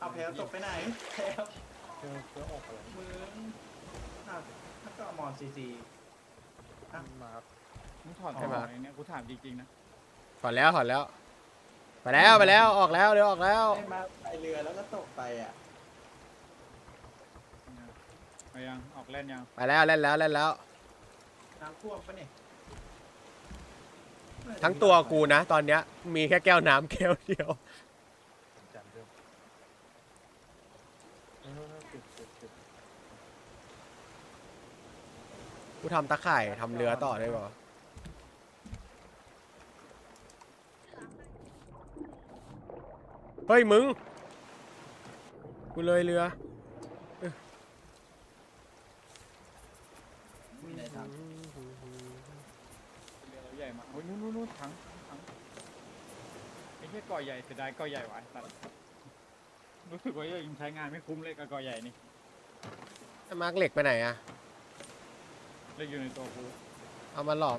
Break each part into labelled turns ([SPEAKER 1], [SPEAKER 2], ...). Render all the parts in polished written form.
[SPEAKER 1] เอาแพลตกไปไหนแพล
[SPEAKER 2] เพื่อออกอะไร
[SPEAKER 1] มึงอ้าวถ้าก็มอนซีซี
[SPEAKER 2] มา
[SPEAKER 3] มึงถอดใช่ไหมเนี่ยกูถามจริงๆนะ
[SPEAKER 4] ถอดแล้วไปแล้วออกแล้วเดี๋ยวออกแล้ว
[SPEAKER 1] ให้มาไปเรือแล้วก็ตกไปอ่ะ
[SPEAKER 3] ไปยังออกเล่นยัง
[SPEAKER 4] ไปแล้วเล่นแล้ว
[SPEAKER 1] น้ำท่วมปะเนี่ย
[SPEAKER 4] ทั้งตัวกูนะตอนเนี้ยมีแค่แก้วน้ำแก้วเดียว
[SPEAKER 2] จานเดิมติด
[SPEAKER 4] กูทำตะข่ายทำเรือต่อได้ป่ะเฮ้ยมึงกูเลยเรือ
[SPEAKER 1] มีไหนท
[SPEAKER 3] เรือใหญ่มากโอ้ยนู่นถังไอ้แค่ก่อใหญ่เสียดายก่อใหญ่ไว้สัตว์รู้สึกว่ายังใช้งานไม่คุ้มเลยกับก่อใหญ่นี่
[SPEAKER 4] มาร์กเหล็กไปไหนอะ
[SPEAKER 3] เลยอยู่ในตัวกู
[SPEAKER 4] เอามาหลอม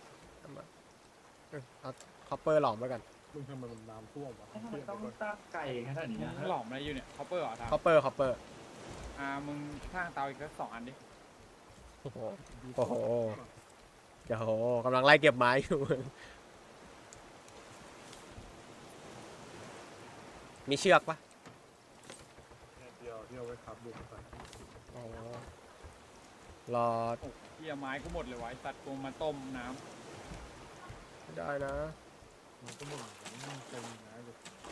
[SPEAKER 4] เอาคอปเปอร์หลอมไปกัน
[SPEAKER 2] มึงทำไมมันน้ำท่วมวะ
[SPEAKER 1] ำมันต้องตั้งไก่ขนาดนี้นะ
[SPEAKER 3] มึงหลอมอะไรอยู่เนี่ยคอปเปอร์เหรอทาง
[SPEAKER 4] คอปเปอร์
[SPEAKER 3] มึงสร้างเตาอีกสัก2 อันดิ
[SPEAKER 4] โอ้โหโอ้โหเดี๋ยวกำลังไล่เก็บไม้อยู่ มีเชือกปะ
[SPEAKER 2] เดียวที่เอาไว้ขับบุกไป
[SPEAKER 4] อ๋อรอ
[SPEAKER 3] เหี้ยไม้กูหมดเลยไว้สัตว์กูมาต้มน้
[SPEAKER 4] ไม่ได้นะ
[SPEAKER 2] มันก็มึงมันเต็มนะเลย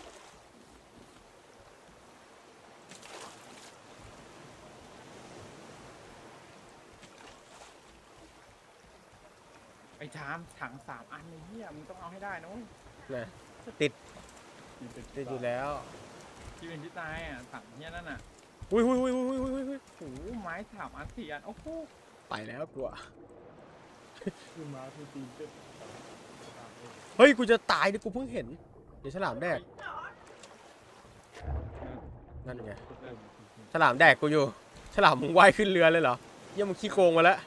[SPEAKER 3] ำไอ้ชามถัง3 อันไอ้เหี้ยมึงต้องเอาให้ได้นะเว้ย
[SPEAKER 4] นะติด
[SPEAKER 2] กินเป็น
[SPEAKER 4] ติดอยู่แล้ว
[SPEAKER 3] ที่เป็นที่ตายอ่ะถังเหี้ยนั่นอ่ะ
[SPEAKER 4] อุ้ย
[SPEAKER 3] โอ้โหไม้3 อัน4 อันโอ้โห
[SPEAKER 4] ไปแล้วกลัว
[SPEAKER 2] ขึ้นมาที่ตีนเจ็บ
[SPEAKER 4] เฮ้ยกูจะตายดิกูเพิ่งเห็นเดี๋ยวฉลามแดกนั่นไงฉลามแดกกูอยู่ฉลามมึงว่ายขึ้นเรือเลยเหรอเยี่ยมึงขี้โกงมาแล้ว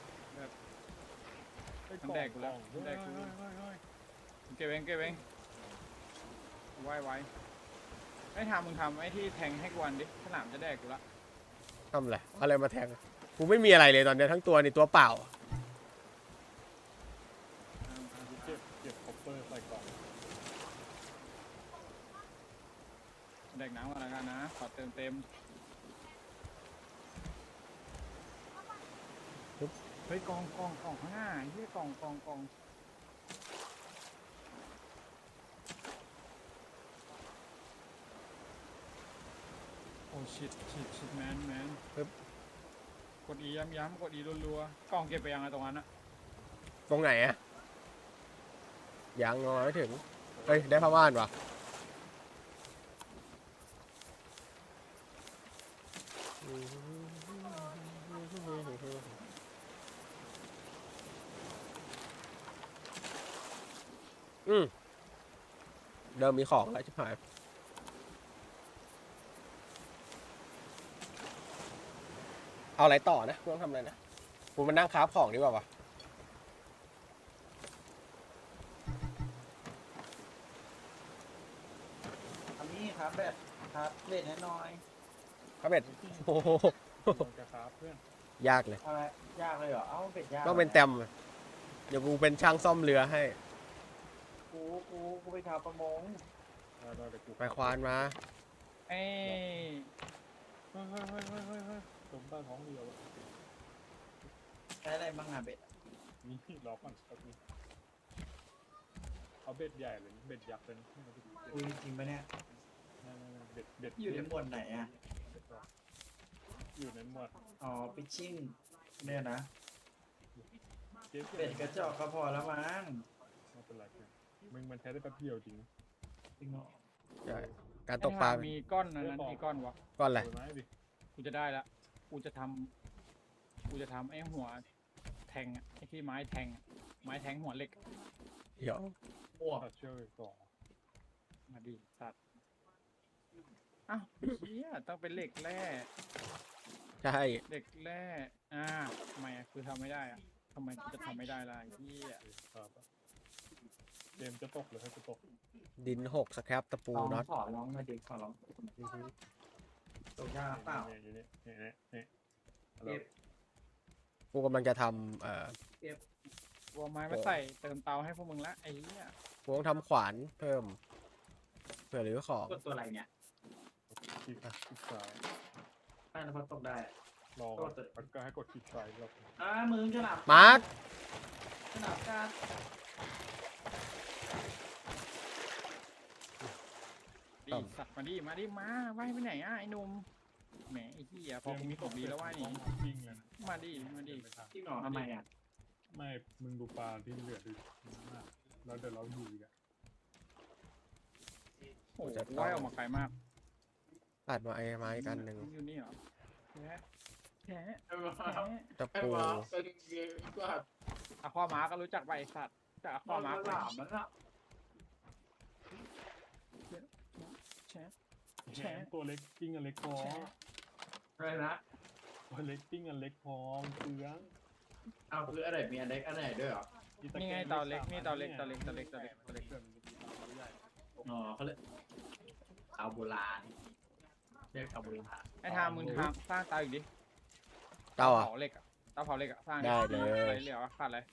[SPEAKER 3] มันแดกกูแล้วมันแดกกูเก็บเองไว้ไอ้มึงทำไอ้ที่แทงให้กูอันดิฉลามจะแดกกูละ
[SPEAKER 4] ทำอะไรมาแทงกูไม่มีอะไรเลยตอนเนี้ยทั้งตัวนี่ตัวเปล่า
[SPEAKER 2] เก็บคอปเปอร์ใส่กล่อง
[SPEAKER 3] แดกน้ำกันแล้วกันนะขอเต็มเฮ้ยกองข้างหน้าเฮ้ยกองโอ้ชิดแมนกดอีย้ำกดอีรัวๆกองเก็บไปยังไงตรงนั้นอะ
[SPEAKER 4] ตรงไหนอะยังงอไม่ถึงเฮ้ยได้ผ้าม่านว่ะเดิมมีของแล้วชิบหายเอาอะไรต่อนะกูต้องทำอะไรนะกูมานั่งคราฟของดีกว่าวะ
[SPEAKER 1] ทำนี่ครับแบบครับเบ็ดน้อย
[SPEAKER 4] ครับเบ็ดโอ้โห
[SPEAKER 2] มันจะครับเพื่อน
[SPEAKER 4] ยากเลย
[SPEAKER 1] ๆอะไรยากเลยเหรอเอ้าเบ็ดยาก
[SPEAKER 4] ต้องเป็นแต้มเดี๋ยวกูเป็นช่างซ่อมเรือให้
[SPEAKER 1] กูไปทำประมง
[SPEAKER 2] ได้เดี๋ยวกู
[SPEAKER 4] ไปควานมา
[SPEAKER 3] เอ้ย
[SPEAKER 2] เฮ้ยตรงใต้ท้องเรือ
[SPEAKER 1] ใช้อะไรบ้างอะเบ็ด
[SPEAKER 2] นี่ล็อกมันเอาเบ็ดใหญ่เลยเบ็ดยักษ์เลย
[SPEAKER 1] คุยจริงปะเนี่ย
[SPEAKER 2] เบ็ด
[SPEAKER 1] อยู่ในหมวดไหนอะ
[SPEAKER 2] อยู่ในหมวด
[SPEAKER 1] อ๋อปิชชิ่งเนี่ยนะ
[SPEAKER 2] เก็บ
[SPEAKER 1] เป็ดกระจอกก็พอแล้วมั้ง
[SPEAKER 2] ไม่เป็นไรมึงมันใช้ได้แป๊บเดียวจริง
[SPEAKER 1] จริงเหรอ
[SPEAKER 4] ใช่การตกปลา
[SPEAKER 3] มีก้อนนั้นกี่ก้อนวะ
[SPEAKER 4] ก้อนอะไร
[SPEAKER 2] ไม้ดิ
[SPEAKER 3] กูจะได้ละกูจะทำไอ้หัวแทงอะไอ้ที่ไม้แทงหัวเหล็ก
[SPEAKER 4] เดี๋ยว
[SPEAKER 1] อ้วก
[SPEAKER 2] ตัดเชือกอีก
[SPEAKER 3] มาดิสัตว์อ้าวเฮียต้องเป็นเหล็กแร่
[SPEAKER 4] ใช่
[SPEAKER 3] เหล็กแร่ทำไมอะคือทำไม่ได้อะทำไมจะทำไม่ได้ล่ะไอ้เฮีย
[SPEAKER 2] ครับเกมจะตกหรือให้จะตก
[SPEAKER 4] ดินหกสครับตะปูน็อต
[SPEAKER 1] ขอร้องมาดิขอร้องตกยากเปล่า
[SPEAKER 2] เนี่ยอยู่นี่เนี่ยเนี่ย
[SPEAKER 1] เก็บ
[SPEAKER 4] กูกำลังจะทำ
[SPEAKER 3] วัวไม้มาใส่เติมเตาให้พวกมึงละไอ้เหี้ย
[SPEAKER 4] กูต้องทำขวานเพิ่มเพื่อหรือของ
[SPEAKER 1] กดตัวอะไรเนี่ย
[SPEAKER 2] คลิกซ้าย
[SPEAKER 1] ใต้แล้วพอตกได้
[SPEAKER 2] ลองแล้วก็ให้กดคลิกซ้ายรอบ
[SPEAKER 1] มือฉลาม
[SPEAKER 4] มาร์ค
[SPEAKER 1] ฉลามการ
[SPEAKER 3] ดีสัตว์มาดิมาว่ายไปไหนอ่ะไอ้หนุ่มแหมไอ้เหี้ยพอกูมีของดีแล้วว่ายหนี
[SPEAKER 2] วิ่งเลยนะ
[SPEAKER 3] มาดิ
[SPEAKER 1] ที่หนอทำไมอ่ะ
[SPEAKER 2] ไม่มึงดูปลาที่เหลือดิแล้วเดี๋ยวเราดูอีกอ่ะ
[SPEAKER 3] โอ้โหว่ายออกมาไกลมาก
[SPEAKER 4] ตัดมาไอ้ไม้กันหนึ่ง
[SPEAKER 3] อยู่นี่เหรอแฉะ
[SPEAKER 4] ตะปู
[SPEAKER 3] อะความ้าก็รู้จักใบสัตว์จากอะความ้า
[SPEAKER 1] ฉลามมันอ่ะ
[SPEAKER 3] แฉะ
[SPEAKER 2] แฉตัวเล็กปิ้งอันเล็กพอ
[SPEAKER 1] อะไรนะ
[SPEAKER 2] ตัวเล็กปิ้งอันเล็กพอเปลือง
[SPEAKER 1] เอาคืออะไรมีอันเล็กอันไหนด้วยเหรอ
[SPEAKER 3] นี่ไงเตาเล็กนี่เตาเล็ก
[SPEAKER 1] อ๋อเขาเลยเอาโบราณเรียกเอาโบราณ
[SPEAKER 3] ไอ้ทางมึงทางสร้างเตาอีกดิ
[SPEAKER 4] เต้าอ่ะ
[SPEAKER 3] เผาเหล็กอะเตาเผาเหล็กอะสร้าง
[SPEAKER 4] ได้เลย
[SPEAKER 3] อะไรเหลือวะขาดอะไร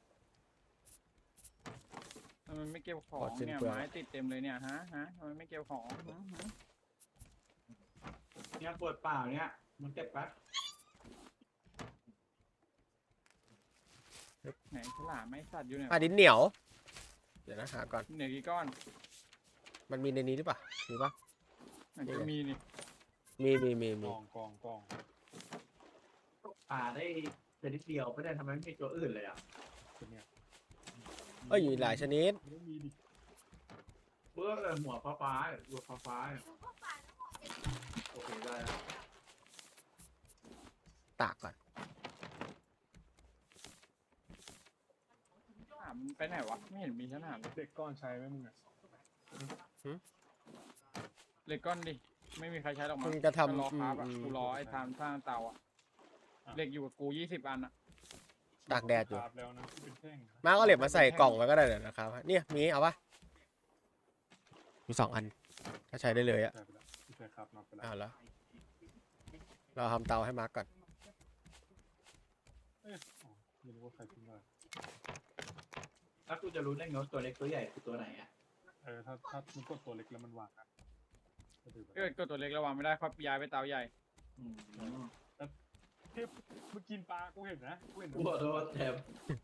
[SPEAKER 3] ทำไมไม่เก็บของเนี่ยไม้ติดเต็มเลยเนี่ยฮะทำไมไม่เก็บของ
[SPEAKER 1] เนี่ยปวดเปล่าเนี่ยมันเก็บแป๊บ
[SPEAKER 3] ไหนฉลามไม่สัตว์อยู่เนี่ย
[SPEAKER 4] ดินเหนียว เดี๋ยวนะหาก่อน
[SPEAKER 3] เหนือกี่ก้อน
[SPEAKER 4] มันมีในนี้หรือเปล่ามีปะ
[SPEAKER 3] มันจะมีนี่
[SPEAKER 4] มี
[SPEAKER 2] กอง
[SPEAKER 1] ป่าได้แต่นิดเดียวไม่ได้ทำไมไม่มีตัวอื่นเลยอ่ะ
[SPEAKER 2] เป็นเนี่ย
[SPEAKER 4] เอ้ยหลายชนิด
[SPEAKER 2] ไม่มีดิ
[SPEAKER 1] เบื้องหัวฟ้าหัวฟ้าโอเคได้แล้ว
[SPEAKER 4] ตากก่อน
[SPEAKER 3] ฉลามไปไหนวะไม่เห็นมีฉลามเลย
[SPEAKER 2] เด็กก้อนใช้ไหมมึงอ่ะ
[SPEAKER 3] เหล็กก้อนดิไม่มีใครใช้หรอกมั้
[SPEAKER 4] มึ
[SPEAKER 3] ง
[SPEAKER 4] งจะ
[SPEAKER 3] รอ
[SPEAKER 4] ทำ
[SPEAKER 3] ครับอะกูรอไอ้ทำสร้างเตาอะเหล็กอยู่กับกู20 อันอะ
[SPEAKER 4] ตากแดดอยู่
[SPEAKER 2] คาบแล้วนะที่เป็นแท่ง
[SPEAKER 4] มาก็เหล็บมาใส่กล่องไว้ก็ได้เดี๋ยวนะครับเนี่ยมีเอาปะมี2 อันก็ใช้ได้เลยอะ
[SPEAKER 2] ใช่ไปแล้วที่ใช้ครับนับไปแล้ว
[SPEAKER 4] เอาแล้วเราทำเตาให้มาร์กก่อน
[SPEAKER 2] ไม่รู้ว่าใครทิ้งอะไร
[SPEAKER 1] แล้วกูจะรู้ได้ไงว่าตัวเล็กตัวใหญ่คือตัวไหนอ่ะ
[SPEAKER 2] ถ้ามันกดตัวเล็กแล้วมันวางกันก็ถือ
[SPEAKER 3] เกิดก็ตัวเล็กระวังไม่ได้ครับย้ายไปเตาใหญ่
[SPEAKER 2] เทพมึงกินปลากูเห็นนะกูเห็น
[SPEAKER 1] กูขอโทษแถม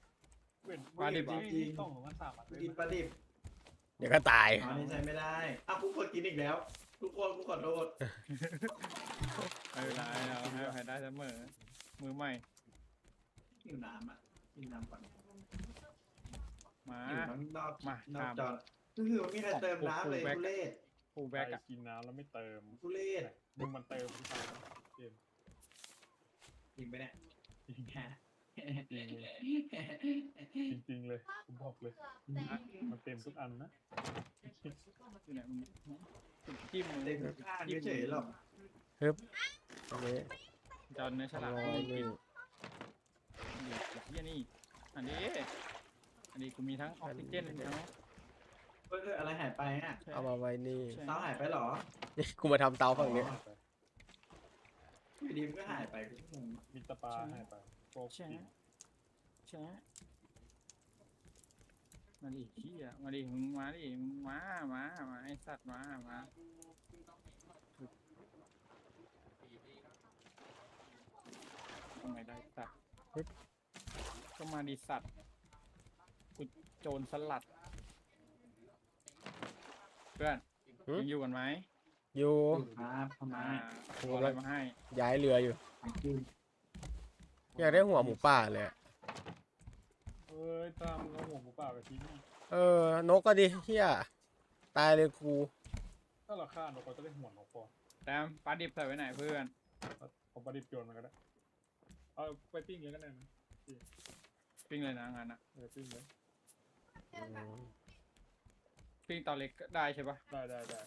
[SPEAKER 2] ต้องของมันสามอันเลย
[SPEAKER 1] กินปลาดิบ
[SPEAKER 4] เดี๋ยวก็ตาย
[SPEAKER 1] อ๋อนี่ใช้ไม่ได้กูกดกินอีกแล้ว ทุกคนกูขอโทษ
[SPEAKER 3] ไม่เป็นไรเราให้อภัยได้เสมอมือใหม่
[SPEAKER 1] กินน้ำอ่ะกินน้ำก่อน
[SPEAKER 3] มา
[SPEAKER 1] อยู่ทั้งนอก
[SPEAKER 3] มาน
[SPEAKER 1] อกจอคือไม่มีใครเติมน้ำเลยทุเรศ
[SPEAKER 3] ฟูล
[SPEAKER 2] แบ
[SPEAKER 3] แบ็
[SPEAKER 2] ก
[SPEAKER 3] กอะ
[SPEAKER 2] กินน้ำแล้วไม่เติม
[SPEAKER 1] ทุเรศ
[SPEAKER 2] มึงมันเติมทุกครั้งเกม
[SPEAKER 1] จริงไหมเนี่ย
[SPEAKER 2] จริงเลยผมบอกเลยมันเต็มทุกอันนะ
[SPEAKER 3] อยู่ไหนมึงจิ้มมึง
[SPEAKER 1] เต็มทุกข้างเฉยๆหรอก
[SPEAKER 4] อันนี้
[SPEAKER 3] จอนเนื้อฉลาม
[SPEAKER 4] ร้อยหนึ่ง
[SPEAKER 3] เฮียนี่อันนี้กูมีทั้งออกซิเจนทั้ง
[SPEAKER 1] อะไรหายไปอ่ะ
[SPEAKER 4] เอามาไว้นี่
[SPEAKER 1] เตาหายไปเหรอ
[SPEAKER 4] นี่กูมาทำเตาฝั่งนี้
[SPEAKER 1] อยู่ดีมันก็หายไปกูงง
[SPEAKER 2] มีตะปาให้ไปโป๊ก
[SPEAKER 3] แช่แช่มาดิเฮียมาดิมึงมาดิมึงมาไอสัตว์มาทำไมได้สัตว์ก็มาดิสัตว์กูโจรสลัดเพื่อนยังอยู่กันไหม
[SPEAKER 4] อยู่
[SPEAKER 1] ครับทำไม
[SPEAKER 3] กูเอาอะไรมาให้
[SPEAKER 4] ย้ายเรืออยู่
[SPEAKER 1] กิน
[SPEAKER 4] อยากได้หัวหมูป่าเลยอะ
[SPEAKER 2] เอ้ยตามเราหัวหมูป่าไปทิ้ง
[SPEAKER 4] นกก็ดิเฮียตายเลยกู
[SPEAKER 2] ถ้าเราฆ่าเราก็จะได้หัวนกพอ
[SPEAKER 3] แต้มปลาดิบใส่ไว้ไหนเพื่อน
[SPEAKER 2] ผมประดิษฐ์โยนมันก็ได้เอาไปปิ้งเลยก็ได้นะ
[SPEAKER 3] ปิ้งเลยนะงานนะ
[SPEAKER 2] ปิ้งเลย
[SPEAKER 3] ปิ้งเตาเล็กก็ได้ใช่ปะ
[SPEAKER 2] ได้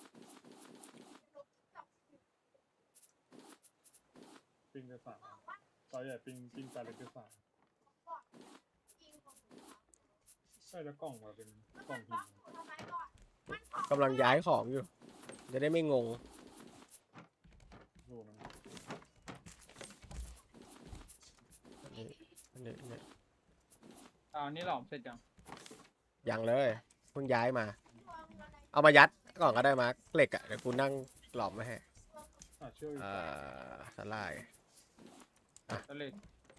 [SPEAKER 2] ปิ้งได้3ตอนใหญ่ปิ้งปลาเล็กได้3ใช่แล้วกล่องมาเป็นกล่องหิน
[SPEAKER 4] กำลังย้ายของอยู่ จะได้ไม่งง
[SPEAKER 2] ดูมัน
[SPEAKER 4] นี่
[SPEAKER 3] นี่หลอมเสร็จยัง
[SPEAKER 4] ยังเลยเพิ่งย้ายมา เอามายัดก่อนก็ได้มาร์คเหล็กอ่ะเดี๋ยวกูนั่งหลอมมาให้
[SPEAKER 2] เชื่อ
[SPEAKER 4] สลาย
[SPEAKER 3] ก็เลย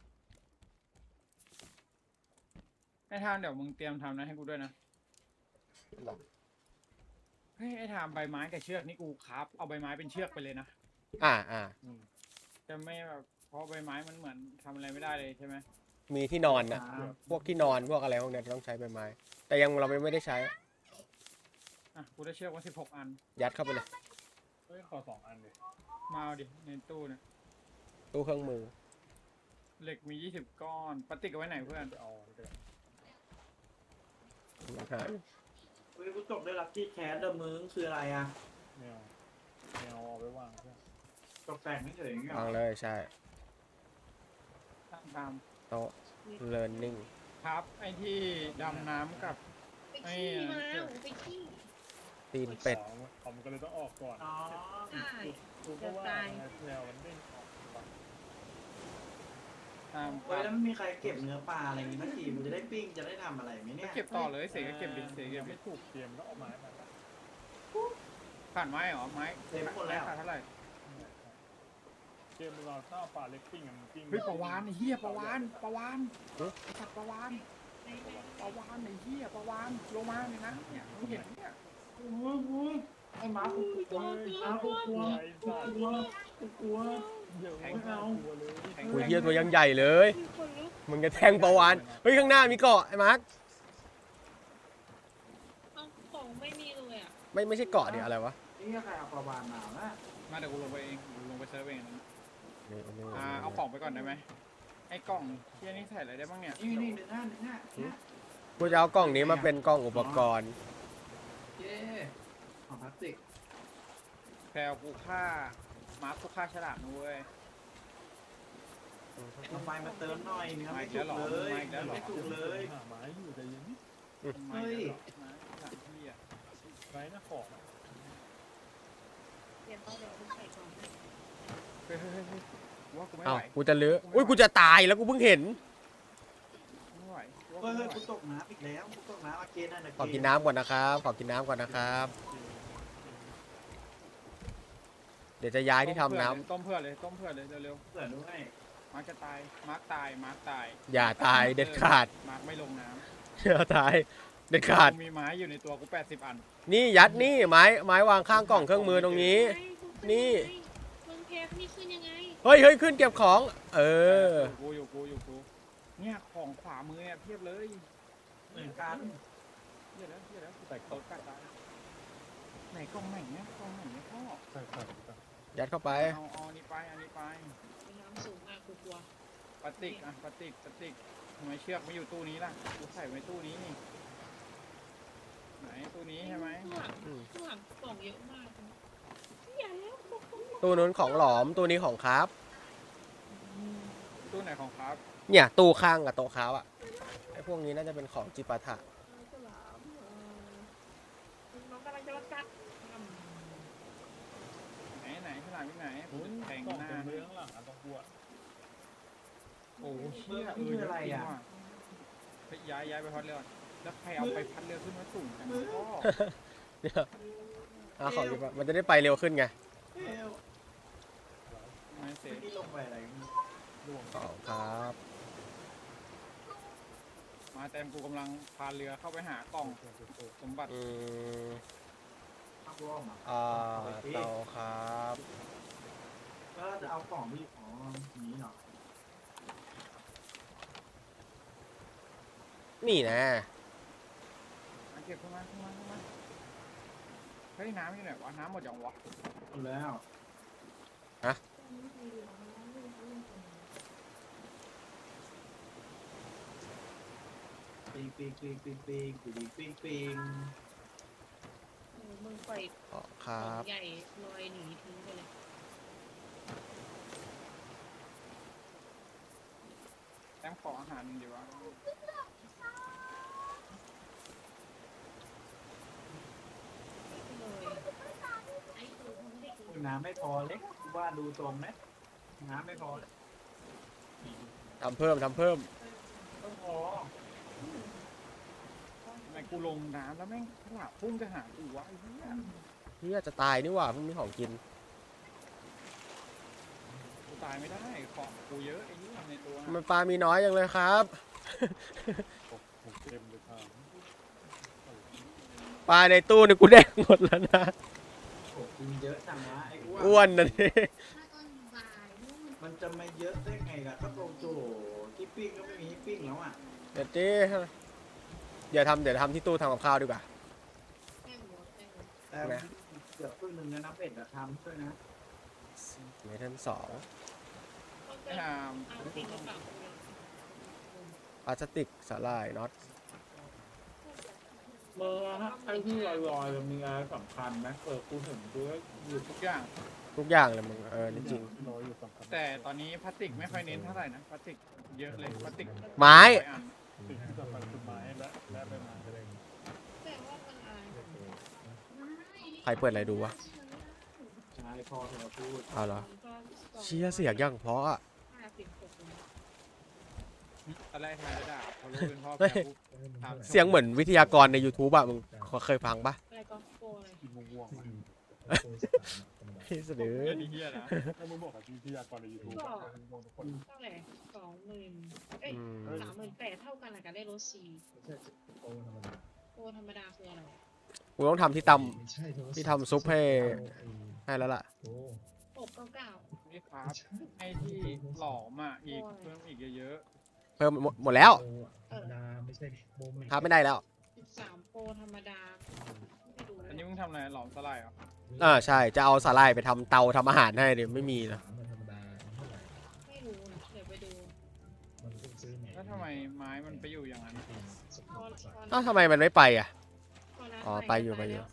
[SPEAKER 3] ไอ้ทามเดี๋ยวมึงเตรียมทำนะให้กูด้วยนะเฮ้ยไอ้ทามใบไม้กับเชือกนี่กูครับเอาใบไม้เป็นเชือกไปเลยนะ จะไม่แบบเพราะใบไม้มันเหมือนทำอะไรไม่ได้เลยใช่ไหม
[SPEAKER 4] มีที่นอนนะพวกที่นอนพวกอะไรพวกเนี้ยต้องใช้ใบไม้ แต่ยังเราไม่ได้ใช้
[SPEAKER 3] กูได้เชือกมา16 อัน
[SPEAKER 4] ยัดเข้าไปเลย
[SPEAKER 2] เฮ้ยขอ2 อันเลย
[SPEAKER 3] มาเอาดิในตู้เนี่ย
[SPEAKER 4] ตู้เครื่องมือ
[SPEAKER 3] เหล็กมี20 ก้อนปฏิกเอาไว้ไหนเพื่อน
[SPEAKER 2] จะเอาไปเลย
[SPEAKER 1] เฮ้ยกูตกได้ลัคกี้แคสเดอมึงคืออะไรอ่ะ
[SPEAKER 2] แมวเอาไปวางเพื่อน
[SPEAKER 1] ตกแต่งไม่เฉยๆอย่างเงี้ยว
[SPEAKER 4] างเลยใช่
[SPEAKER 3] ตาม
[SPEAKER 4] โต๊ะ learning
[SPEAKER 3] ครับไอ้ที่ดำน้ำกับ
[SPEAKER 5] ไปขี้มาไปขี้
[SPEAKER 4] ตีนเป็ด
[SPEAKER 2] ผมก็เลยต้องออกก่อน
[SPEAKER 1] อ๋อ
[SPEAKER 5] ใช่
[SPEAKER 2] กูก็ว่าแมวมันเด้งออก
[SPEAKER 3] ตาม
[SPEAKER 1] เฮ้ยแล้วไม่มีใครเก็บเนื้อปลาอะไรอย่างงี้สักทีมันจะได้ปิ้งจะได้ทำอะไรไหมเนี่ย
[SPEAKER 3] เก็บต่อเลยเสกก็เก็บดิเสกเก็บดิ
[SPEAKER 2] ไม่ถูกเตรียมก็เอาไม้มา
[SPEAKER 3] ผ่านไม้เหรอไม้
[SPEAKER 1] เต็มหมดแล้ว
[SPEAKER 3] ขาดเท่าไหร่
[SPEAKER 2] เกมเราถ้าปลาเล็กปิ้งมันปิ้ง
[SPEAKER 3] เฮ้ยปลาวานไอ้เหี้ยปลาวานไอ้สัตว์ปลาวาน
[SPEAKER 5] ใน
[SPEAKER 3] ปลาวานไอ้เหี้ยปลาวานลงมาเลยนะเนี่ยมึงเห็นเนี่ย
[SPEAKER 1] โอ้ยไอ้หมากูกลัวหมากูกลัว
[SPEAKER 2] ไอ้สัตว์
[SPEAKER 1] กลัวกูกลัว
[SPEAKER 2] เดี๋ยวไม่เอากลัวเลย
[SPEAKER 4] กูเฮียตัวยังใหญ่เลย
[SPEAKER 5] คนลุก
[SPEAKER 4] มึงจะแทงประวานเฮ้ยข้างหน้ามีเกาะไอ้มาร์ค
[SPEAKER 5] เอาของไม่มีเลยอ่ะ
[SPEAKER 4] ไม่ใช่เกาะดิอะไรวะ
[SPEAKER 1] นี่ใครเอาปลาวานมานะ
[SPEAKER 3] มาเดี๋ยวกูลงไปเองกูลงไปเซิร์ฟเองนะ
[SPEAKER 4] นี่
[SPEAKER 3] เอากล่องไปก่อนได้ไหมไอ้กล่องเที่ยนี่ใส่อะไรได้บ้างเนี่ย
[SPEAKER 1] นี่หนึ่งหน้า
[SPEAKER 4] กูจะเอากล่องนี้มาเป็นกล่องอุปกรณ์
[SPEAKER 1] เย้ของพลาสติก
[SPEAKER 3] แพลวกูฆ่ามาร์คกูฆ่าฉลามนะเว้ย
[SPEAKER 1] เอาไฟมาเติมหน่อยเนื้อไม่สุกเลยเนื้อไม่สุกเลย
[SPEAKER 2] หาไม้อยู่แต่ยังนี่
[SPEAKER 1] เฮ้ย
[SPEAKER 3] ฉลามที่อ่ะ
[SPEAKER 2] ไร้หน้าของ
[SPEAKER 5] เดี๋ยวต้องเดี๋ยวคุณใส่ก่อนนะ
[SPEAKER 3] เฮ้ยว่ากูไม่
[SPEAKER 4] เอ้า
[SPEAKER 3] ไหว
[SPEAKER 4] กูจะลื้ออุ้ยกูจะตายแล้วกูเพิ่งเห็น
[SPEAKER 3] ไม่ไหว
[SPEAKER 1] เฮ้ยกูตกน้ำอีกแล้วกูตกน้ำอาเกนนั่นนะ
[SPEAKER 4] ขอกินน้ำก่อนนะครับ ขอกินน้ำก่อนนะครับ เดี๋ยวจะย้ายที่ทำน้ำ
[SPEAKER 3] ต้มเพื่อเลยเร็ว
[SPEAKER 1] เผื่อด้วย
[SPEAKER 3] ๆมาร์คจะตายมาร์คตาย
[SPEAKER 4] อย่าตายเด็ดขาด
[SPEAKER 3] มาร์คไม่ลงน้
[SPEAKER 4] อย่าตายเด็ด
[SPEAKER 3] ำ
[SPEAKER 4] ขาด
[SPEAKER 3] กูมีไม้อยู่ในตัวกู80 อัน
[SPEAKER 4] นี่ยัดนี่ไม้วางข้างกล่องเครื่องมือตรงนี้ นี่
[SPEAKER 5] มึงแพ็คนี่ขึ้นยังไง
[SPEAKER 4] เฮ้ยขึ้นเก็บของ เออ
[SPEAKER 3] อยู่กูเนี่ยของขวามือเนี่ยเพียบเลย
[SPEAKER 1] เหมือนกัน
[SPEAKER 3] เพียบแล้วแต่โต๊ะกัดตายไหนกล่องไหนเนี่ยพ่อ
[SPEAKER 2] ใส่
[SPEAKER 4] ยัดเข้าไป
[SPEAKER 3] เอาอันนี้ไป
[SPEAKER 5] น้ำสูงมากกูกลัว
[SPEAKER 3] ปฏิกทำไมเชือกไม่อยู่ตู้นี้ล่ะกูใส่ไว้ตู้นี้นี่ไหนตู้นี้ใช่ไหม
[SPEAKER 5] ข้างหลังกล่องเยอะมากอย่าแล้ว
[SPEAKER 4] ตู้นู้นของหลอมตู้นี้ของครับ
[SPEAKER 3] ตู้ไหนของครับ
[SPEAKER 4] เนี่ยตู้ข้างกับโต๊ะค้าอ่ะไอ้พวกนี้น่าจะเป็นของจิปาถะ
[SPEAKER 5] ฉลามน้องกำลังจะมากัด
[SPEAKER 3] ไหนฉลามที่ไหนกูจะแทง
[SPEAKER 2] กล่อง
[SPEAKER 3] หน้า
[SPEAKER 2] เป็นเรื่องหลังต้องกลัว
[SPEAKER 3] โอ้เชี่ยไปย้ายไปพัดเรือแล้วใครเอาไปพัดเรือขึ้นมาสูงจังก็
[SPEAKER 4] เนี่ยเอาของจิปามันจะได้ไปเร็วขึ้นไง
[SPEAKER 1] เอ้ย
[SPEAKER 3] ไม่เสร็จ
[SPEAKER 1] นี่ลงไปอะไร
[SPEAKER 2] ร่วง
[SPEAKER 4] ของครับ
[SPEAKER 3] มาแตมกูกำลังพาเรือเข้าไปหากล่องสมบัติ
[SPEAKER 1] พักร่องอ่ะ
[SPEAKER 4] เตาครับ
[SPEAKER 1] ก็จะเอาของที่อ๋อนี้เนาะ
[SPEAKER 4] นี่นะ
[SPEAKER 3] มาเก็บขึ้นมาเฮ้ยน้ำอยู่ไหนวะน้ำหมดยังวะ
[SPEAKER 1] หมดแล้วปิง
[SPEAKER 5] มึงปล่อย
[SPEAKER 4] ของค
[SPEAKER 5] กล่
[SPEAKER 4] รั
[SPEAKER 5] อง
[SPEAKER 4] บ
[SPEAKER 5] ใหญ่ลอยหนีทิ้งไปเลย
[SPEAKER 3] แตมขออาหารดีวะ
[SPEAKER 5] เลย
[SPEAKER 1] น้ำไม่พอเล็กว่าดูตรงนะน้ำไม่พอเลย
[SPEAKER 4] ทำเพิ่ม
[SPEAKER 1] ต้องพอ
[SPEAKER 3] ทำไมกูลงน้ำแล้วแม่งฉลามพุ่งจะหากูวะไอ้เหี้ย
[SPEAKER 4] เฮียจะตายนี่หว่าเพิ่งมีของกิน
[SPEAKER 3] กูตายไม่ได้ของกูเยอะไอ้เหี้ยในตัว
[SPEAKER 4] ทำไมปลามีน้อยจังเลยครับ
[SPEAKER 2] ผมเต็มเลยครับ
[SPEAKER 4] ปลาในตู้นี่กูแดกหมดแล้วนะ
[SPEAKER 1] โอ้กินเยอะจังวะไอ้
[SPEAKER 4] อ้วนนะนี่
[SPEAKER 5] ถ้าตอนบ่ายนู่น
[SPEAKER 1] มันจะมาเยอะได้ไงล่ะก็โตโจที่ปิ้งก็ไม่มีให้ปิ้งแล้วอ่ะ
[SPEAKER 4] เดี๋ยวดิเดี๋ยวทำที่ตู้ทำกับข้าวดีกว่า
[SPEAKER 5] แป้งหมดแป้งหมด
[SPEAKER 1] แต่เกือบครึ่งหนึ่งนะเป็ดอะทำช่วยนะ
[SPEAKER 4] เมทัลสอง
[SPEAKER 5] ต้อง
[SPEAKER 3] ไอ้
[SPEAKER 5] เติม
[SPEAKER 3] หาม
[SPEAKER 5] เอาจริงหรือเปล่า
[SPEAKER 4] พลาสติกสาหร่ายน็อต
[SPEAKER 1] เมื่อไอ้ที่ลอยๆมีอะไรสำคัญไหมกูเห็นด้วยอยู่
[SPEAKER 3] ทุกอย่าง
[SPEAKER 4] ทุกอย่างเลยมึงนี่จริง
[SPEAKER 2] ที่น้อยอยู่สำคัญ
[SPEAKER 3] แต่ตอนนี้พลาสติกไม่ค่อยเน้นเท่าไหร่นะพลาสติกเยอะเลยพลาสติก
[SPEAKER 4] ไม้
[SPEAKER 3] 100อัน
[SPEAKER 2] สิ่งที่สำคัญคือไม้และใบไม้
[SPEAKER 5] แต่ว่ามันอะไร
[SPEAKER 4] ใครเปิดอะไรดูวะ
[SPEAKER 1] ใช่พอเธอพูด
[SPEAKER 4] เอาเหรอเชี่ยเสียงยังเพราะอะ
[SPEAKER 3] ตอนแรกทายจะด่าพอรู้เป็นพ่อ
[SPEAKER 4] เฮ้
[SPEAKER 3] แม่
[SPEAKER 4] ย
[SPEAKER 3] ปุ๊บถาม
[SPEAKER 4] เสียงเหมือนวิทยากรใน YouTube อะมึงเคยฟังปะ
[SPEAKER 5] อะไรก็โกอะไร
[SPEAKER 2] กินม่วง
[SPEAKER 4] พี่เสนอ
[SPEAKER 3] เรื่องนี้เฮียนะ
[SPEAKER 2] ๆถ้ามึงบอกกับวิทยากรในยูทูบม่วงทุกคน
[SPEAKER 5] เท่าไหร่20,000เอ้ย
[SPEAKER 4] อืม
[SPEAKER 5] 38,000เท่ากันแหละกันได้รถ4โปรธรรมดาคืออะไร
[SPEAKER 4] กูต้องทำที่ที่ทำซุปให้แล้วล่ะ
[SPEAKER 5] 699
[SPEAKER 3] นี่ครับให้ที่หลอมอ่ะอีกเพิ่มอีกเยอะ
[SPEAKER 4] เพิ่มหมดแล้ว
[SPEAKER 6] ไม่ใช่โบม
[SPEAKER 4] ครับไม่ได้แล้ว
[SPEAKER 5] 13โปรธรรมดาไม่ดู
[SPEAKER 3] ๆ
[SPEAKER 5] แล้
[SPEAKER 3] อั
[SPEAKER 5] วน
[SPEAKER 3] นี้มึงทำอะไรหลอมสลายเหรอ
[SPEAKER 4] ใช่จะเอาสาหร่ายไปทำเตาทำอาหารให้เดี๋ยวไม่มีนะ
[SPEAKER 6] ธรรมดาเท่าไหร่
[SPEAKER 5] ไม่รู้นะเดี๋ยวไปดู
[SPEAKER 6] มันต้องซื้อไหน
[SPEAKER 3] แล้วทำไมไม้มันไปอยู่อย่างนั้น
[SPEAKER 4] อ้าวทำไมมันไม่ไปอ่ะ
[SPEAKER 5] พร้าน
[SPEAKER 4] อ๋อ
[SPEAKER 5] ใหม่
[SPEAKER 4] ไปอยู่
[SPEAKER 5] แล้ว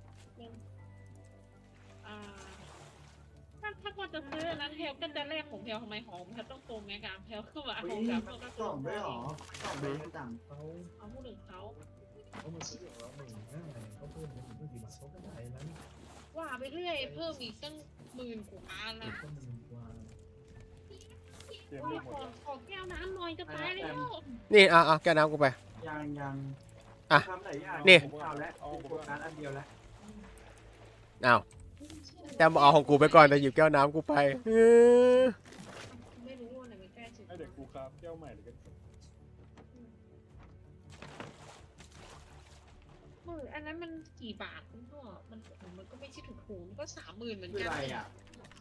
[SPEAKER 5] อ่าถ้าพอจะซื้ออันนั้นแพลก็จะแลกของแพลทำไมของแพลต้องโกงไงการแพลคือว่าของกับก็
[SPEAKER 1] กล่องด้วยหรอ กล่องด้วยจัง
[SPEAKER 6] เขา
[SPEAKER 5] เอาผู้หนึ่งเขา
[SPEAKER 6] เขามาซื้อของเรา1,500เขาเพิ่มเป็นกี่บาทเขาก็ได้แล้วนี่
[SPEAKER 5] ว่าไปเรื่อยเพิ่มอีกตั้ง10,000 กว่าอัน
[SPEAKER 6] เด็
[SPEAKER 5] นะ
[SPEAKER 6] กก็มีกว่า
[SPEAKER 2] เกม
[SPEAKER 5] ว่า
[SPEAKER 2] ลูกหมด
[SPEAKER 5] ขอแก้วน้ำหน่อยจะตายแล้ว
[SPEAKER 4] นี่แก้วน้ำกูไป
[SPEAKER 1] ยัง
[SPEAKER 4] อ่ะ
[SPEAKER 1] ทำหลายอย่าง
[SPEAKER 4] นี่
[SPEAKER 1] เอาแล้วโฟกัสอันเดียวแล้ว
[SPEAKER 4] อ้าวแต่เอาของกูไปก่อนแต่หยิบแก้วน้ำกูไปอ
[SPEAKER 5] ไม่รู้ว่าไหนมันแก้จุด
[SPEAKER 2] ให้เด็กกูครับแก้วใหม่หรือกัน
[SPEAKER 5] อันนั้นมันกี่บาทคุณพ่อมันก็ไม่ใช่ถูกๆมันก็30,000เหมือน
[SPEAKER 1] คือ
[SPEAKER 5] กัน
[SPEAKER 1] อะไรอ่ะ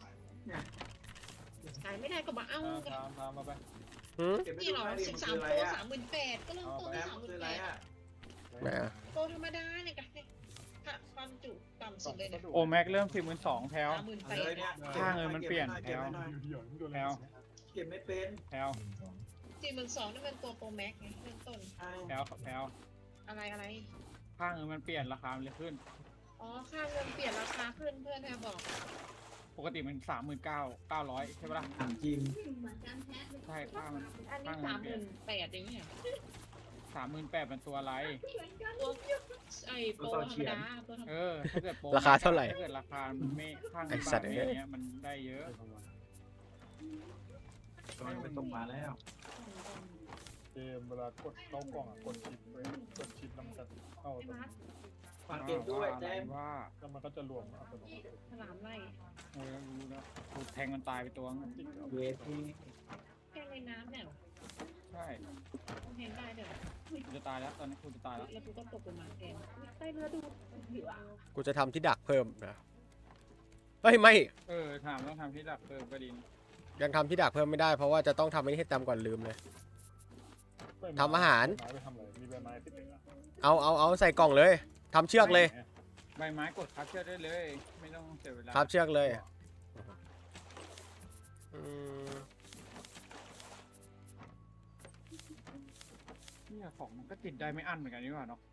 [SPEAKER 5] ขายไม่ได้ก็มาเอากัน
[SPEAKER 3] ตามมาไป
[SPEAKER 4] หืม
[SPEAKER 1] เก็บไป
[SPEAKER 5] นี่
[SPEAKER 1] ดู
[SPEAKER 5] หรอ
[SPEAKER 1] ให้ดิมันคือ
[SPEAKER 5] 13
[SPEAKER 1] อะไร
[SPEAKER 5] โปร
[SPEAKER 1] อ่ะ
[SPEAKER 5] 38,000ก็เริ่มต้น
[SPEAKER 1] แอ
[SPEAKER 5] ที่
[SPEAKER 1] มคืออะไรอ่ะ
[SPEAKER 4] ไหนอะ
[SPEAKER 5] โปรธรรมดาเนี่ยกันความจุต่ำสุดเลยเนี่ย
[SPEAKER 3] โอแม็กเริ่ม42,000แพลว
[SPEAKER 1] เอาเลยเนี่ย
[SPEAKER 3] ค่าเงินมันเปลี่ยน
[SPEAKER 1] เก็บไว้หน่อย
[SPEAKER 2] อยู่ที่หย่อนโดน
[SPEAKER 3] แพลว
[SPEAKER 1] เก็บไม่เป็น
[SPEAKER 3] แพลว
[SPEAKER 5] 42,000นี่มันตัวโปรแม็กไงเริ่มต้น
[SPEAKER 1] ใช่
[SPEAKER 3] แพลวแพลว
[SPEAKER 5] อะไร
[SPEAKER 3] ค่าเงินมันเปลี่ยนราคามันเลยขึ้น
[SPEAKER 5] อ๋อค่าเงินเปลี่ยนราคาขึ้นเพื่อนแพรบอก
[SPEAKER 3] ปกติมัน39,900ใช่ปะล่ะ
[SPEAKER 1] ถามจริง
[SPEAKER 3] ใช่ค่ามัน
[SPEAKER 5] อันนี้38,000เองเนี่ย
[SPEAKER 3] 38,000เป็นตัวอะไร
[SPEAKER 5] ตัวไอ้โปรธรรมดาตัวธรรมดา
[SPEAKER 3] ถ้าเกิดโปร
[SPEAKER 4] ราคาเท่าไหร่
[SPEAKER 3] ถ้าเกิดราคามันไม่ค่าเงิ
[SPEAKER 4] ไอ้
[SPEAKER 3] น
[SPEAKER 4] สั
[SPEAKER 3] บา
[SPEAKER 4] ต
[SPEAKER 3] ท
[SPEAKER 4] ว์
[SPEAKER 3] ไม่
[SPEAKER 4] เอ้ย
[SPEAKER 3] เนี้ยมันได้เยอะ
[SPEAKER 1] ตอนไปตรงมาแล้ว
[SPEAKER 2] เกมเวลากดเข้ากล่องกดชิปไว้กดชิปแล้วมันจะเข้า
[SPEAKER 5] ไอ้มาร์ค
[SPEAKER 1] ฝากเก็บด้วยแจ้ง
[SPEAKER 3] ว่า
[SPEAKER 2] แล้วมันก็จะรวมอัตโนมัติ
[SPEAKER 5] ฉลามไล่
[SPEAKER 3] เออรู้แล้วกูแทงมันตายไปตัวนึง
[SPEAKER 1] เวที
[SPEAKER 5] แก้ในน้ำเนี่ยเหรอ
[SPEAKER 3] ใช่
[SPEAKER 5] มันแทงได้เดี๋ยว
[SPEAKER 3] กูจะตายแล้วตอนนี้กูจะตายแล้ว
[SPEAKER 5] แล้วกูก็ตกลงมาแทนใต้เรือดูเหยื่อ
[SPEAKER 4] กูจะทำที่ดักเพิ่มนะเฮ้ยไม่
[SPEAKER 3] ถามต้องทำที่ดับก็ดี
[SPEAKER 4] ยังทำที่ดักเพิ่มไม่ได้เพราะว่าจะต้องทำไอ้นี่ให้ตามก่อนลืมเลย ทำอาหาร
[SPEAKER 2] ไม้ไปทำอะไรมีใบไม้ติดเลยนะ
[SPEAKER 4] เอาใส่กล่องเลยทำเชือกเลย
[SPEAKER 3] ใบไม้กดคับเชือกได้เลย ไม่ต้องเสียเวลา
[SPEAKER 4] ครับเชือกเลยอืม
[SPEAKER 3] เนี่ยของมันก็ติดได้ไม่อั้นเหมือนกันนี่หว่าเนาะ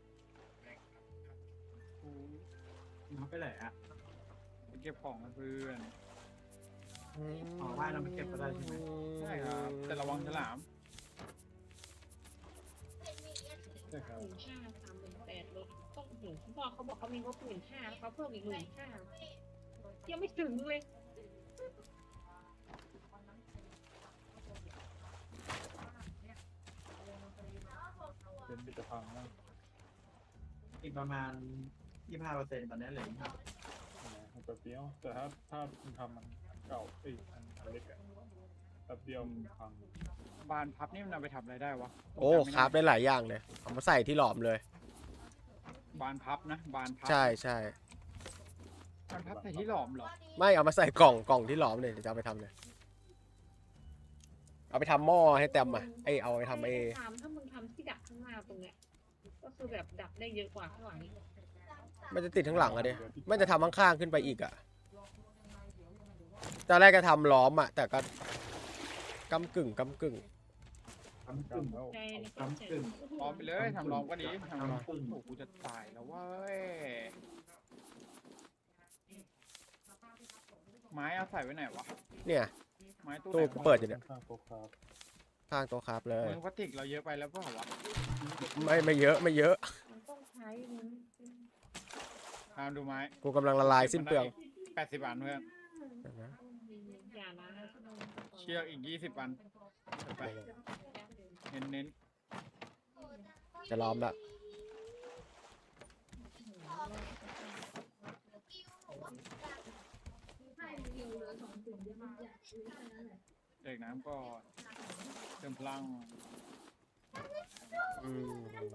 [SPEAKER 1] น้ำไปไหนอ่ะ
[SPEAKER 3] ไปเก็บของกับเพื่อน
[SPEAKER 1] อ๋อว่ายน้ำไปเก็บก็ได้ใช่ไหม
[SPEAKER 3] ใช่ครับแต่ระวังฉลาม
[SPEAKER 2] ใช่ครับ
[SPEAKER 5] 15,000 38,000ลดต้องถึงคุณพ่อเขาบอกเขามีงบ15,000แล้วเขาเพิ่มอีก15,000 ยังไม่ถึงเลย
[SPEAKER 2] เป็นบิตพังนะ
[SPEAKER 1] อีกประมาณ 25%ตอนนี้เหลือ25
[SPEAKER 2] แป๊บเดียวแต่ถ้าคุณทำมันเก่าอันเล็กอะแป๊บเดียวมันพัง
[SPEAKER 3] บานพับนี่มันเอาไปทำอะไรได้วะ
[SPEAKER 4] โอ้คราฟได้หลายอย่างเลยเอามาใส่ที่หลอมเลย
[SPEAKER 3] บานพับนะบานพับ
[SPEAKER 4] ใช่ใช่
[SPEAKER 3] บานพับใส่ที่หลอมเหรอ
[SPEAKER 4] ไม่เอามาใส่กล่องที่หลอมเลยเดี๋ยวจะเอาไปทำเลยเอาไปทำหม้อให้เต็มอ่ะเอาไปทำ
[SPEAKER 5] ถ้ามึงทำที่ดักข้างหน้าตรงเนี้ยก็คือแบบดักได้เยอะกว่าข้างหลัง
[SPEAKER 4] มันจะติดทั้งหลังอะดิไม่จะทำข้างๆขึ้นไปอีกอะตอนแรกก็ทำล้อมอะแต่ก็กำกึ่ง
[SPEAKER 1] กำกึ่ง
[SPEAKER 5] ใจใน
[SPEAKER 1] กำกึ่ง
[SPEAKER 3] ล้อมไปเลยทำล้อมก็ดีทำล้อม
[SPEAKER 1] ทำปึ้ง
[SPEAKER 3] โอ้กูจะตายแล้วเว้ยไม้เอาใส่ไว้ไหนวะ
[SPEAKER 4] เนี่ย
[SPEAKER 3] ไม้ตู้
[SPEAKER 4] ตู้
[SPEAKER 3] ไหน
[SPEAKER 4] กูเปิดอยู่เนี่ย
[SPEAKER 2] ข้างโต๊ะครับ
[SPEAKER 4] ข้างโต๊ะครับเลย
[SPEAKER 3] มือพลาสติกเราเยอะไปแล้วเปล่าวะ
[SPEAKER 4] ไม่เยอะ
[SPEAKER 5] มันต้องใช้มึง
[SPEAKER 3] ตามดูไม้
[SPEAKER 4] กูกำลังละลายสิ้นเปลือง
[SPEAKER 3] 80 อันเพื่อน
[SPEAKER 5] อย่านะ
[SPEAKER 3] เชือกอีก20 อันไปเน้น
[SPEAKER 4] จะล้อมละ
[SPEAKER 3] ๆเด็กน้ำก็เติมพลัง
[SPEAKER 4] อืม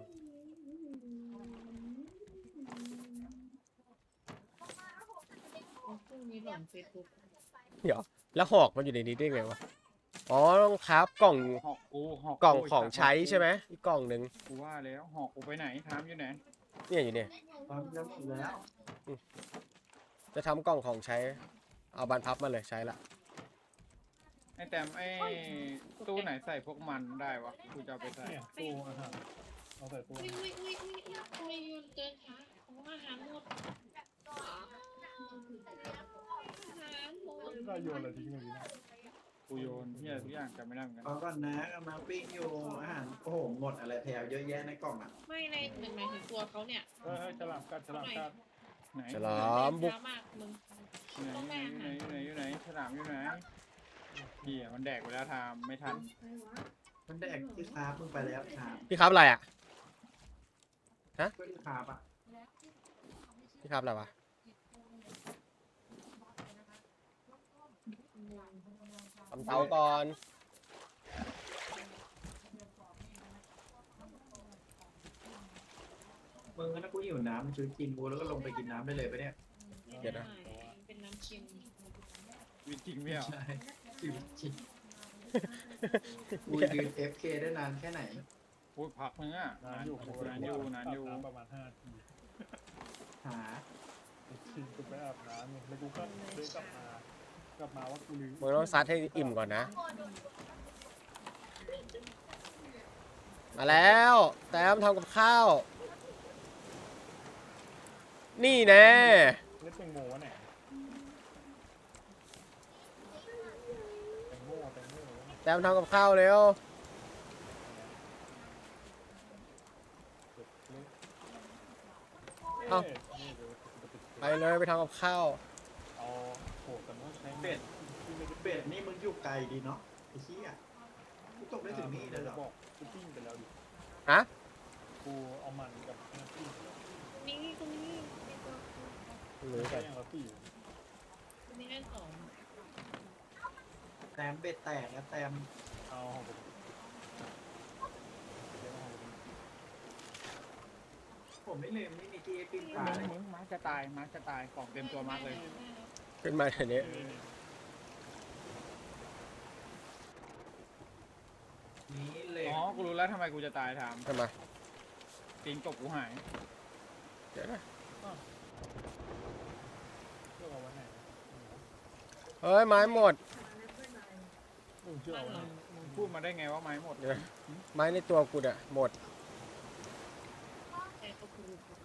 [SPEAKER 5] พรุ่งนี้หล่อนเฟซบุ๊ก
[SPEAKER 4] เดี๋ยวแล้วหอกมันอยู่ในนี้ได้ไงวะอ๋อต้องครับกล่อง
[SPEAKER 3] หอกกูหอก
[SPEAKER 4] กล่องของใช้ใช่ไหมอีกกล่องหนึ่ง
[SPEAKER 3] กูว่าแล้วหอกกูไปไหนทามอยู่ไหน
[SPEAKER 4] เนี่ยอยู่เนี่ย
[SPEAKER 1] ตอนนี้หมดแล้ว
[SPEAKER 4] จะทำกล่องของใช้ เอาบานพับมาเลยใช้ละ
[SPEAKER 3] ไอ้แต้มไอ้ตู้ไหนใส่พวกมันได้วะกูจะเอาไปใส่
[SPEAKER 2] เนี่ยตู้อาหารเอาใส่ตู้
[SPEAKER 5] อุ้ยทำไมยืนเดินช้าของอาหารหมดอาหารหมด
[SPEAKER 2] ได้โยนอะไรทิ้งเลยนะ
[SPEAKER 3] กูโยนเฮียทุกอย่างจำไม่ได้เหมือนกัน
[SPEAKER 1] เอาก่อนนะกำลังปิ้งอยู่อาหารโอ้โหหมดอะไรแถวเยอะแยะในกล่องอ่ะ
[SPEAKER 5] ไม่ในหนึ่งหมายถึงตัวเขาเนี่ย
[SPEAKER 2] เฮ้ยฉลามกัด
[SPEAKER 3] ไหน
[SPEAKER 4] จะล้อมบุก
[SPEAKER 5] ช้ามากมึง
[SPEAKER 3] อยู่ไหนฉลามอยู่ไหนเฮียมันแดกไปแล้วทามไม่ทัน
[SPEAKER 1] มันแดกที่คาบมึงไปแล้วคาบ
[SPEAKER 4] พี่ครับอะไรอ่ะ
[SPEAKER 1] ก็ที่คาบอ่ะ
[SPEAKER 4] พี่ครับอะไรวะ ทำเตาก่อน
[SPEAKER 1] มึงถ้ากูหิวน้ำมึงช่วยกินกูแล้วก็ลงไปกินน้ำได้เลยปะเนี่ย
[SPEAKER 4] เดี๋ยวนะ
[SPEAKER 5] เป็นน้ำเค็ม
[SPEAKER 3] วิจริงไม่เอา
[SPEAKER 1] ใช่ชีวิตจริงกูยืน FK ได้นานแค่ไหน
[SPEAKER 3] พูดพักนึงอ่ะนานอยู่
[SPEAKER 2] ประมาณ5 นาที
[SPEAKER 1] หา
[SPEAKER 2] ทีกูไปอาบน้ำเนี่ยแล้วกูก็เดินกลับมาว่ากูลืม
[SPEAKER 4] มึงต้องซัดให้อิ่มก่อนนะ มาแล้วแต้มทำกับข้าว นี่แน่
[SPEAKER 2] เล่นแตงโมวะเนี่ยแตงโม
[SPEAKER 4] แต้มทำกับข้าวเร็ว เอ้า ไปเลยไปทำกับข้าว
[SPEAKER 2] เอาโหแต่ว่าใช้
[SPEAKER 1] เป็ดเป็ดนี่มึงอยู่ไกลดีเนาะไอ้เหี้ยกูตกได้ถึงนี่เลยเหรอ
[SPEAKER 2] บอกกูปิ้งไปแล้วดิ
[SPEAKER 4] ฮะ
[SPEAKER 2] กูเอามันกับน้ำปิ้งไปแล้ว
[SPEAKER 5] นี่ตรงนี้
[SPEAKER 4] หรือ
[SPEAKER 2] ใช้
[SPEAKER 4] กัน
[SPEAKER 2] อย่างละ4
[SPEAKER 5] ตรงนี้ได้สอง
[SPEAKER 1] แต้มเป็ดแตกนะแต้ม
[SPEAKER 2] เอาของผม
[SPEAKER 1] ผมไม่ลืมนี่มีที่ปิ้งปลาเลย
[SPEAKER 3] มึงมาร์คจะตายกล่องเต็มตัวมากเลย
[SPEAKER 4] ขึ้นมาเดี๋ยวนี้
[SPEAKER 1] นี่เหล็ก
[SPEAKER 3] อ๋อกูรู้แล้วทำไมกูจะตายทาม
[SPEAKER 4] ทำไม
[SPEAKER 3] ตีนกบกูหาย
[SPEAKER 4] เดี๋ยวนะ
[SPEAKER 2] เชื่อเอาไว้ไหน
[SPEAKER 4] เฮ้ยไม้หมด
[SPEAKER 2] เชื่อเอาไว้ไหน
[SPEAKER 3] มึงพูดมาได้ไงว่าไม้หมด
[SPEAKER 4] เดี๋ยว ไม้ในตัวกูเนี่ยหมด
[SPEAKER 5] แต่ก็คือ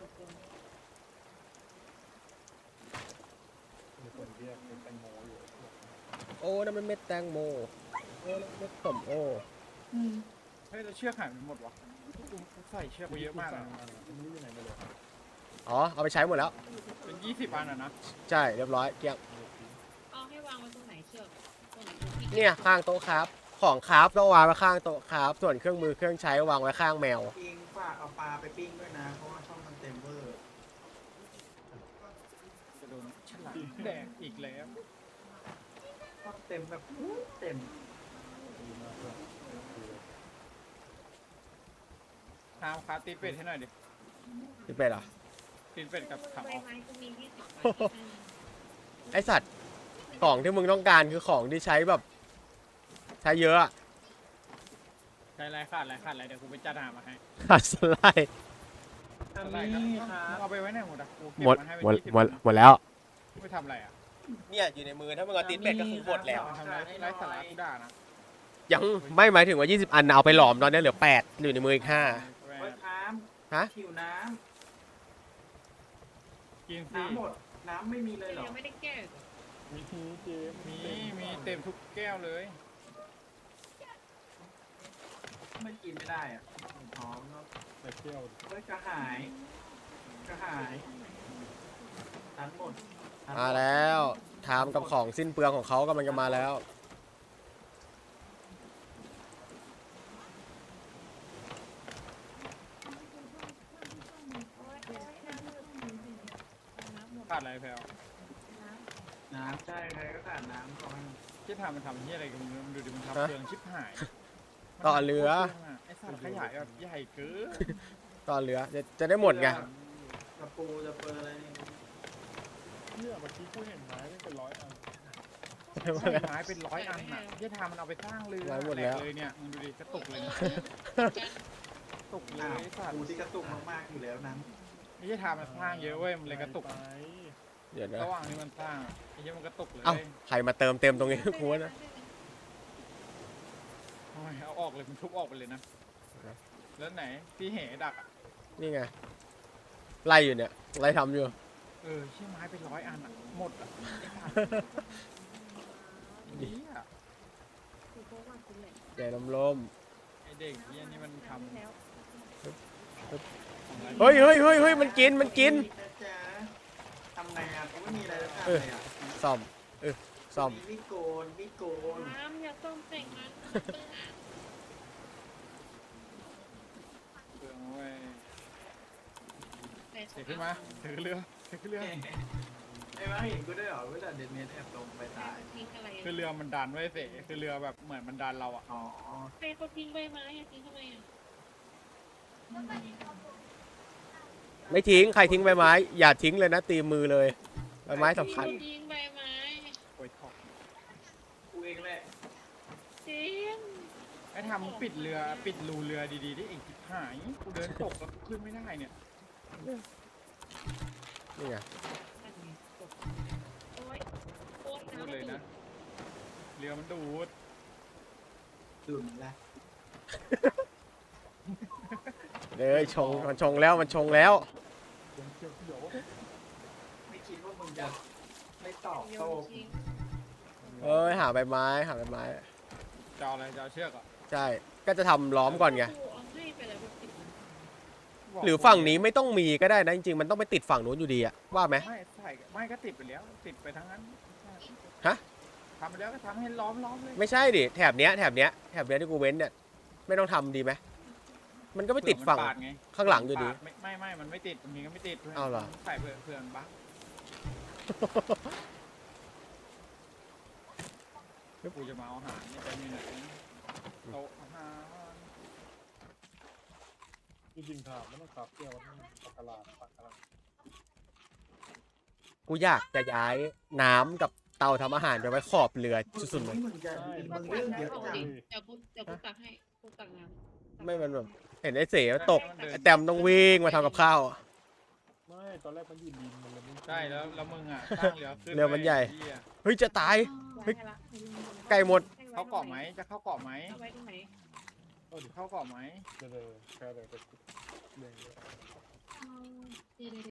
[SPEAKER 2] มีคนเรียกเป็นแตงโมอยู่
[SPEAKER 4] โอ้นั่นมันเม็ดแตงโมโอ้นั่นเม็ดส้มโอ้
[SPEAKER 3] เฮ้ยเราเชือกหายไปหมดวะกูใส่เชือกไปเยอะมากเลย
[SPEAKER 2] ไม่รู้อยู่ไหนไปเลย
[SPEAKER 4] อ๋อเอาไปใช้หมดแล้ว
[SPEAKER 3] เป็น20 อันอ่ะนะ
[SPEAKER 4] ใช่เรียบร้อยเกลี้ยง
[SPEAKER 2] ม
[SPEAKER 5] ไว้ตรงไหนเชือกตรงไหนตรงที่
[SPEAKER 4] เนี่ยข้างโต๊ะครับ ของครับต้องวางไว้ข้างโต๊ะครับ ส่วนเครื่องมือเครื่องใช้วางไว้ข้างแมว
[SPEAKER 7] ปิ้งฝากเอาปลาไปปิ้งด้วยนะ เพราะว่าช่องมันเต็มเวอร์
[SPEAKER 3] จะโดนฉลามแดกอีกแล้ว
[SPEAKER 7] ช่องเต็มแบบเต็ม
[SPEAKER 2] ดีมากเลย
[SPEAKER 3] ทามคาตีเป็ดให้หน่อยดิ
[SPEAKER 4] ที่เป็นเหรอ
[SPEAKER 3] ตีเป็ดกับถัง
[SPEAKER 5] ใบ
[SPEAKER 3] ออก
[SPEAKER 5] ไม้ก็มี20
[SPEAKER 4] ไอสัตว์ ของที่มึงต้องการคือของที่ใช้แบบ ใช้เยอะอะ
[SPEAKER 3] ใช้ไรขาดไรเดี๋ยวกูไปจัดหามาให้
[SPEAKER 4] ขาดสไลด์
[SPEAKER 7] ทำนี่ครับ
[SPEAKER 3] เอาไปไว้ไหนหมดอ่ะกูเก็บ
[SPEAKER 4] หมด
[SPEAKER 3] มันให้เป็น
[SPEAKER 4] หมด
[SPEAKER 3] 20
[SPEAKER 4] หมดแล้ว
[SPEAKER 3] ไม่ทำอะไรอ่ะ
[SPEAKER 4] เนี่ยอยู่ในมือถ้ามึงเอาตีนเป็ดก็คือหมดแล้ว
[SPEAKER 3] ทำไรไรสาระกูด่านะ
[SPEAKER 4] ยังไม่หมายถึงว่า 20 อันนะเอาไปหลอมตอนนี้เหลือ 8อยู่ในมืออีก 5
[SPEAKER 7] โอ้ยน้
[SPEAKER 4] ฮะ
[SPEAKER 7] ำหิวน้
[SPEAKER 3] กิน
[SPEAKER 7] ำ
[SPEAKER 3] สิ
[SPEAKER 7] น้ำหมด น้ำไม่มีเลยเหรอ
[SPEAKER 5] ยังไม่ได้แก้อีก
[SPEAKER 2] มีเจมส์
[SPEAKER 3] มีเต็มทุกแก้วเลย
[SPEAKER 7] ไม่กินไม่ได้อ่ะพร้อมเนาะ
[SPEAKER 2] แต่แก้ว
[SPEAKER 7] เฮ้ยกระหาย กระหายทันหมดทันหด
[SPEAKER 4] มาแล้วทามกับของสิ้นเปลืองของเขากำลังจะมาแล้ว
[SPEAKER 3] ขาดอะไรแพลว
[SPEAKER 7] น้ำใช่ใครก็ขาดน้ำก่อน
[SPEAKER 3] ที่ทำมันทำที่อะไรกันมึงดูดิมัน
[SPEAKER 4] ฮะ
[SPEAKER 3] ทำเครื่องชิบหาย
[SPEAKER 4] ต่อเรือ
[SPEAKER 3] ไอ้สัตว์ขยายแบบใหญ่เกิน
[SPEAKER 4] ตอนเหลือจะได้หมดไง
[SPEAKER 7] กระปูจะเปอร์อะไรนี่
[SPEAKER 2] เนี่ยเมื่อกี้กูเห็นไม้เป็น100 อัน
[SPEAKER 3] ใช่ไม้เป็น100 อันอ่ะที่ทำมันเอาไปสร้างเรือ
[SPEAKER 4] ไว้หมดแล้ว
[SPEAKER 3] แหกเลยเนี่ยมึงดูดิกระตุกเลยนะตกเล
[SPEAKER 7] อ้าวย
[SPEAKER 3] ไอ้สัตว์
[SPEAKER 7] ปูที่กระตุกมากๆอยู่แล้วนั้น
[SPEAKER 3] ไอ้ที่ทำมันสร้างเยอะเว้ยมันเลยกระตุก
[SPEAKER 2] ไป
[SPEAKER 4] เดี๋ยวนะ
[SPEAKER 3] ระหว่างที่มันสร้างอะไอ้ที่มันกระตุกเลย
[SPEAKER 4] เอ้าใครมาเติมเต็มตรงนี้ กูว่านะ
[SPEAKER 3] ทำไมเอาออกเลยมันทุบออกไปเลยนะแล้วไหนที่เหดักอ่ะ
[SPEAKER 4] นี่ไง ไล่อยู่เนี่ย ไล่ทำอยู่
[SPEAKER 3] เชี่ยไม้เป็น100 อันอ่ะหมดอ่ะไอ้สัตว์นี่อ่ะ
[SPEAKER 4] แกน้ำลม
[SPEAKER 3] ไอ้เด็กเหี้ยนี่มันทำ
[SPEAKER 5] แล้ว
[SPEAKER 4] เฮ้ยมันกินมันกิน
[SPEAKER 7] นะจ๊ะทำไงอ่ะกูไม่มีอะไรจะทำเลยอ่ะ
[SPEAKER 4] ซ่อมซ่อม
[SPEAKER 7] มีดโกนมีดโกน
[SPEAKER 5] น้ำอย่าต้มแต่งมัน
[SPEAKER 3] เครื่องเว้ย
[SPEAKER 5] แต่
[SPEAKER 3] เสียขึ้นมาถือเรือถือเรือ
[SPEAKER 7] ไอ้มาเห็นกูได้วยเหรอเวลาเดนเมนแอบลงไปตาย
[SPEAKER 5] ทิ้งอะไร
[SPEAKER 3] คือเรือมันดันไว้เสคือเรือแบบเหมือนมันดันเราอ่ะ
[SPEAKER 7] อ๋อ
[SPEAKER 5] ใครเขาทิ้งใบไม้อะทิ้งทำไมอ่ะ
[SPEAKER 4] ไม่ทิ้งใครทิ้งใบไม้ อย่าทิ้งเลยนะตีมือเลยใบไม้สำคัญ
[SPEAKER 5] เขาทิ้งใบไม้
[SPEAKER 3] โอ้ยทอก
[SPEAKER 7] กูเองแหละ
[SPEAKER 5] จริง
[SPEAKER 3] ไอ้ทำมึงปิดเรือปิดรูเรือดีๆดิไอ้จิบหายกูเดินตกแล้วขึ้นไม่ได้เนี่ย
[SPEAKER 4] นี่ไง
[SPEAKER 5] โอ๊ยโอ๊ย
[SPEAKER 3] พูดเลยนะเรือมันดูด
[SPEAKER 7] ดุนละ
[SPEAKER 4] เลยชงมันชงแล้วมันชงแล้ว
[SPEAKER 2] เขียว
[SPEAKER 7] ไม่คิดว่ามึงจะไม่ตอบ
[SPEAKER 5] โย
[SPEAKER 7] โต้
[SPEAKER 5] นทิ้ง
[SPEAKER 4] เอ้ยหาใบไม้หาใบไม้
[SPEAKER 3] จะเอาอะไรจะเอาเชือกอ่ะ
[SPEAKER 4] ใช่ ก็จะทำล้อมก่อนไง
[SPEAKER 5] เอาให้ไปแล้วติด
[SPEAKER 4] หรือฝั่งนี้ไม่ต้องมีก็ได้นะจริงๆมันต้องไปติดฝั่งนู้นอยู่ดีอะว่าไหม
[SPEAKER 3] ไม่ใส่ไม่ก็ติดไปแล้วติดไปทั้งนั้น
[SPEAKER 4] ฮะ
[SPEAKER 3] ทำไปแล้วก็ทำให้ล้อมเลย
[SPEAKER 4] ไม่ใช่ดิแถบเนี้ยที่กูเว้นเนี่ยไม่ต้องทำดีไหมมันก็ไปติดฝั่ง
[SPEAKER 3] เผื่อมันปาไง
[SPEAKER 4] ข้างหลังอยู่ดี
[SPEAKER 3] ปาไม่มันไม่ติดบางทีก็ไม่ติด
[SPEAKER 4] เอาเหรอ
[SPEAKER 3] ใส่เผื่อมันบั๊กกูจะมาเอาอาหารนี่จะมีไหนโต๊ะอาหาร
[SPEAKER 2] จริงๆถามไม่ต้องขับเที่ยวมันปากกาลาปากกาลา
[SPEAKER 4] กูอยากจะย้ายน้ำกับเตาทำอาหารไปไว้ขอบเรือสุดๆเลย
[SPEAKER 7] มึงจะมึงเรื่องเยอะจัง
[SPEAKER 5] เดี๋ยวกูตักให้กูตักน้ำ
[SPEAKER 4] ไม่มันแบบเห็นไอ้เสมันตกไอ้แต้มต้องวิ่งมาทำกับข้าว
[SPEAKER 2] ไม่ตอนแรกมันอยู่ดินมันเลยไม่
[SPEAKER 3] ใช่แล้วมึงอ่ะสร้างเรือขึ้น
[SPEAKER 4] เรือมันใหญ่
[SPEAKER 3] ไอ้เย
[SPEAKER 4] เฮ้ยจะตาย
[SPEAKER 5] ไว้ให้ละ
[SPEAKER 4] ไก่หมด
[SPEAKER 3] เข้าเกาะไหมจะเข้าเกาะไหม
[SPEAKER 5] เอาไว้ตรงไหน
[SPEAKER 3] เข้าเกาะไหม
[SPEAKER 2] เดี๋ยวแค่เดี๋ยวเรื่องเยอะ
[SPEAKER 5] เดี๋ยว